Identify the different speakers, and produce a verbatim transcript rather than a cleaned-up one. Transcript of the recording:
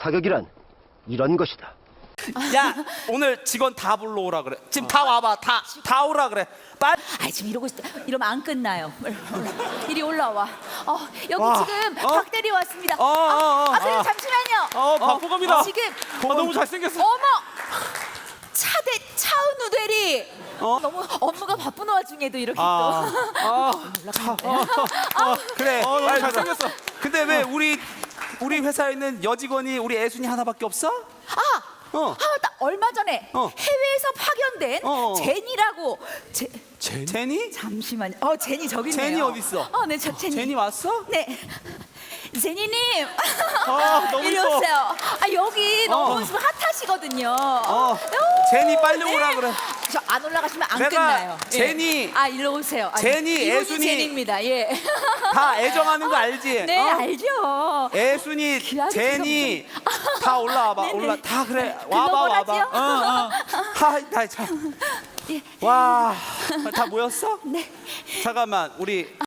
Speaker 1: 사격이란 이런 것이다.
Speaker 2: 야, 오늘 직원 다 불러오라 그래. 지금 다 와봐. 다, 다 오라 그래. 빨리.
Speaker 3: 아 지금 이러고 있, 이러면 안 끝나요. 이리 올라와. 어 여기
Speaker 2: 와.
Speaker 3: 지금
Speaker 2: 어?
Speaker 3: 박 대리 왔습니다.
Speaker 2: 어, 어, 어,
Speaker 3: 아, 아 선생님
Speaker 2: 어.
Speaker 3: 잠시만요.
Speaker 2: 어, 바쁘 갑니다.
Speaker 3: 지금
Speaker 2: 아, 너무 잘생겼어.
Speaker 3: 어머 차대 차은우 대리.
Speaker 2: 어?
Speaker 3: 너무 업무가 바쁜 와중에도 이렇게
Speaker 2: 아, 아,
Speaker 3: 올라가는데.
Speaker 2: 어, 그래.
Speaker 4: 어, 너무
Speaker 2: 빨리
Speaker 4: 잘생겼어.
Speaker 2: 근데 왜 우리 우리 회사에 있는 여직원이 우리 애순이 하나밖에 없어?
Speaker 3: 아.
Speaker 2: 어.
Speaker 3: 아, 맞다. 얼마 전에
Speaker 2: 어.
Speaker 3: 해외에서 파견된
Speaker 2: 어, 어.
Speaker 3: 제니라고 제,
Speaker 2: 제, 제니?
Speaker 3: 잠시만요. 어, 제니 저기 있네요.
Speaker 2: 제니 어디 있어?
Speaker 3: 어, 네, 저 제니.
Speaker 2: 제니 왔어?
Speaker 3: 네. 제니님.
Speaker 2: 아, 너무
Speaker 3: 이리
Speaker 2: 이뻐.
Speaker 3: 오세요. 아, 여기 너무
Speaker 2: 어.
Speaker 3: 지금 핫하시거든요.
Speaker 2: 어.
Speaker 3: 오,
Speaker 2: 제니 빨리
Speaker 3: 네.
Speaker 2: 오라 그래.
Speaker 3: 저 안 올라가시면 안
Speaker 2: 내가
Speaker 3: 끝나요. 예.
Speaker 2: 제니.
Speaker 3: 아, 일로 오세요. 아,
Speaker 2: 제니,
Speaker 3: 이분이
Speaker 2: 애순이.
Speaker 3: 제니입니다. 예.
Speaker 2: 다 애정하는 거 알지?
Speaker 3: 네,
Speaker 2: 어?
Speaker 3: 알죠.
Speaker 2: 애순이,
Speaker 3: 귀하게
Speaker 2: 제니 다 올라와봐.
Speaker 3: 네네.
Speaker 2: 올라 다 그래. 와봐 와봐.
Speaker 3: 글로벌하지요?
Speaker 2: 어, 어. 하, 나 참.
Speaker 3: 예.
Speaker 2: 와, 다 모였어?
Speaker 3: 네.
Speaker 2: 잠깐만 우리